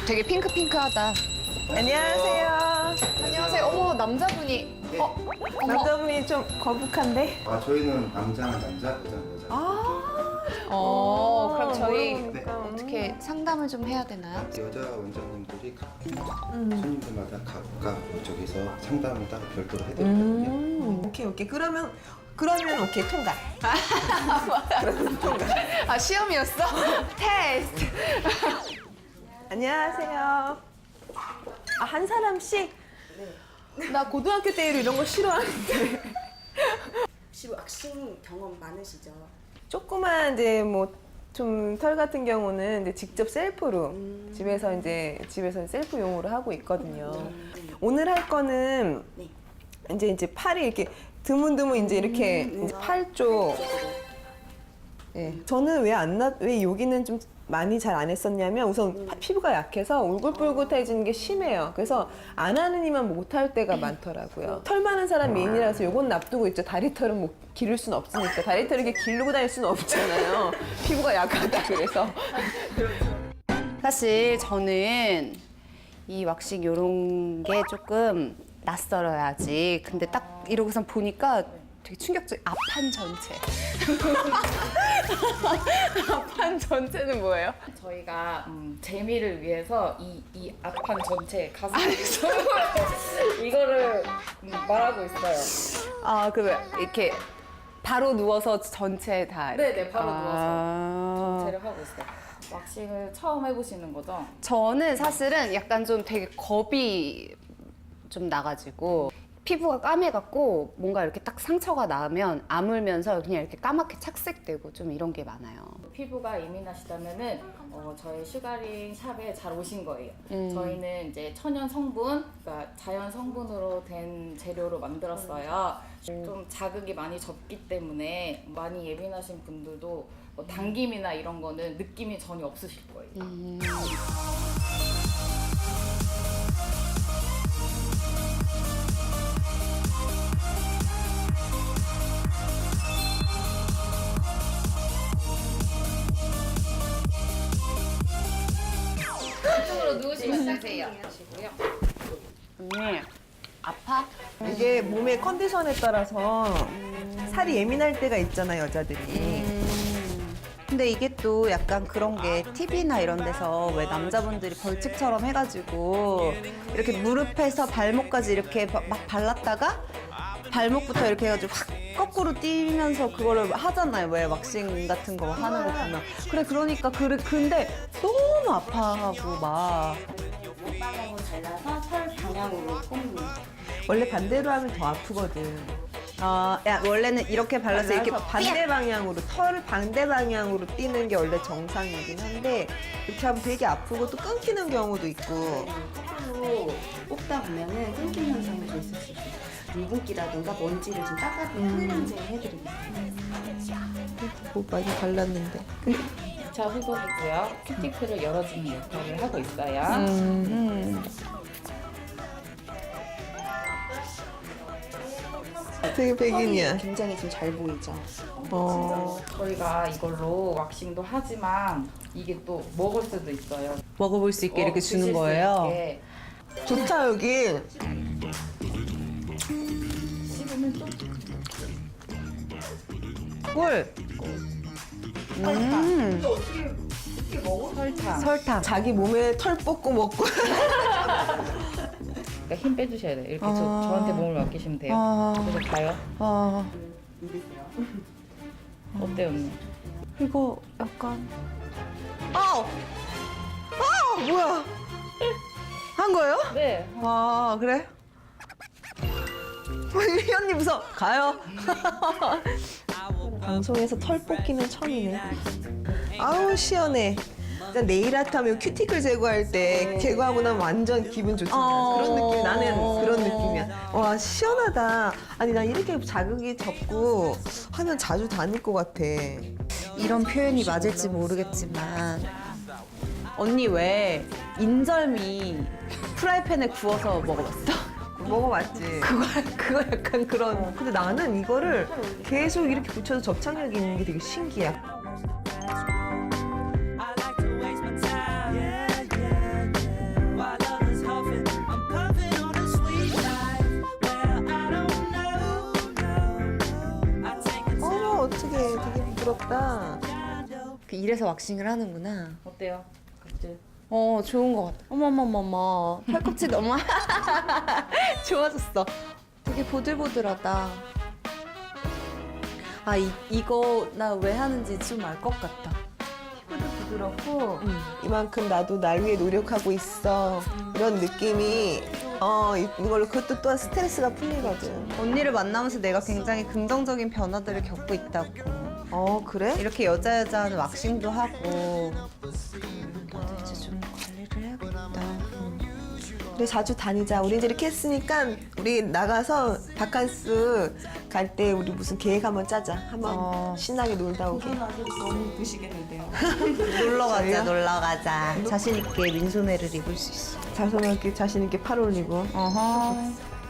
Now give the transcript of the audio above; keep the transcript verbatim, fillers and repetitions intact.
되게 핑크핑크하다. 안녕하세요. 안녕하세요. 어머, 남자분이. 어, 어머. 남자분이 좀 거북한데? 아 저희는 남자는 남자, 여자는 여자. 아, 어, 그럼 저희 모르니까. 어떻게 상담을 좀 해야 되나요? 여자 원장님들이 각 음. 손님들마다 각각 저기서 상담을 따로 별도로 해드리거든요. 음, 오케이, 오케이. 그러면, 그러면 오케이, 통과. 그러면 통과. 아, 시험이었어? 테스트. 안녕하세요. 아, 한 사람씩? 나 고등학교 때 이런 거 싫어하는데. 혹시 왁싱 경험 많으시죠? 조그만 이제 뭐 좀 털 같은 경우는 이제 직접 셀프로 음. 집에서 이제 집에서 셀프용으로 하고 있거든요. 음. 오늘 할 거는 네. 이제 이제 팔이 이렇게 드문드문 이제 이렇게 음, 이제 음. 팔 쪽. 예. 저는 왜 안 나, 왜 여기는 좀 많이 잘 안 했었냐면 우선 파- 피부가 약해서 울긋불긋해지는 게 심해요. 그래서 안 하는 이만 못 할 때가 많더라고요. 털 많은 사람 미인이라서 요건 놔두고 있죠. 다리털은 뭐 기를 수는 없으니까. 다리털을 이렇게 기르고 다닐 수는 없잖아요. 피부가 약하다 그래서. 사실 저는 이 왁싱 요런 게 조금 낯설어야지. 근데 딱 이러고선 보니까 되게 충격적. 앞판 전체. 앞판 전체는 뭐예요? 저희가 음, 재미를 위해서 이, 이 앞판 전체 가슴 이거를 음, 말하고 있어요. 아, 그 이렇게 바로 누워서 전체 다. 이렇게. 네네, 바로 아. 전체를 하고 있어요. 왁싱을 처음 해보시는 거죠? 저는 사실은 약간 좀 되게 겁이 좀 나가지고 피부가 까매갖고 뭔가 이렇게 딱 상처가 나면 아물면서 그냥 이렇게 까맣게 착색되고 좀 이런 게 많아요. 피부가 예민하시다면은 어, 저희 슈가링 샵에 잘 오신 거예요. 음. 저희는 이제 천연 성분, 그러니까 자연 성분으로 된 재료로 만들었어요. 좀 자극이 많이 적기 때문에 많이 예민하신 분들도 뭐 당김이나 이런 거는 느낌이 전혀 없으실 거예요. 음. 이쪽으로 누우시면 시작해요. 하시고요. 언니, 아파? 이게 몸의 컨디션에 따라서 살이 예민할 때가 있잖아요, 여자들이. 근데 이게 또 약간 그런 게 티비나 이런 데서 왜 남자분들이 벌칙처럼 해가지고 이렇게 무릎에서 발목까지 이렇게 바- 막 발랐다가 발목부터 이렇게 해가지고 확 거꾸로 뛰면서 그거를 하잖아요. 왜 왁싱 같은 거 하는 거 보면. 그래, 그러니까 그래. 근데 너무 아파하고 막. 방향으로 잘라서 털 방향으로 꼽는. 원래 반대로 하면 더 아프거든. 아, 야, 원래는 이렇게 발라서 이렇게 발라서 반대 방향으로, 털 반대 방향으로 뛰는 게 원래 정상이긴 한데 이렇게 하면 되게 아프고 또 끊기는 경우도 있고. 거꾸로 뽑다 보면은 끊김 현상이 좀 있을 수 있어요. 유분기라든가 먼지를 좀 닦아주는 클렌징 해드립니다. 뭐 많이 발랐는데. 이 차 후속이고요. 큐티클을 열어주는 역할을 하고 있어요. 음. 되게 백인이야. 굉장히 지금 잘 보이죠? 어. 저희가 이걸로 왁싱도 하지만 이게 또 먹을 수도 있어요. 먹어볼 수 있게 이렇게 어, 주는 드실 수 거예요. 있게. 좋다 여기. 씹으면 좀 꿀. 설탕. 설탕. 자기 몸에 털 뽑고 먹고. 그러니까 힘 빼주셔야 돼요. 이렇게 저, 아. 저한테 몸을 맡기시면 돼요. 아. 그래서 가요. 아, 어때요, 언니? 이거 약간. 아우. 아우 뭐야? 한 거예요? 네. 아 그래? 희연님 무서 가요. 방송에서 털 뽑기는 처음이네. 아우 시원해. 일단 네일 아트 하면 큐티클 제거할 때 제거하고 나면 완전 기분 좋잖아. 어. 그런 느낌. 나는 그런 느낌이야. 와 시원하다. 아니 나 이렇게 자극이 적고 하면 자주 다닐 것 같아. 이런 표현이 맞을지 모르겠지만 언니 왜 인절미 프라이팬에 구워서 먹어봤어? 먹어봤지. 그거 그거 약간 그런. 근데 나는 이거를 계속 이렇게 붙여서 접착력이 있는 게 되게 신기해. 부럽다. 그 이래서 왁싱을 하는구나. 어때요? 각질? 어, 좋은 것 같아. 어머머머머. 팔꿈치 너무 좋아졌어. 되게 보들보들하다. 아, 이, 이거 나 왜 하는지 좀 알 것 같다. 피부도 부드럽고 음. 이만큼 나도 날 위해 노력하고 있어. 이런 느낌이 어 이- 이걸로 그것도 또한 스트레스가 풀리거든. 언니를 만나면서 내가 굉장히 긍정적인 변화들을 겪고 있다고. 어 그래? 이렇게 여자 여자 하는 왁싱도 하고. 음, 나도 이제 좀 관리를 해야겠다. 음. 우리 자주 다니자. 우리 이제 이렇게 했으니까 우리 나가서 바캉스 갈 때 우리 무슨 계획 한번 짜자. 한번 어. 신나게 놀다 오게. 너무 이쁘시겠는데요. 놀러 가자, 저희요? 놀러 가자. 자신 있게 민소매를 입을 수 있어. 자손한테 자신 있게 팔 올리고. 어허.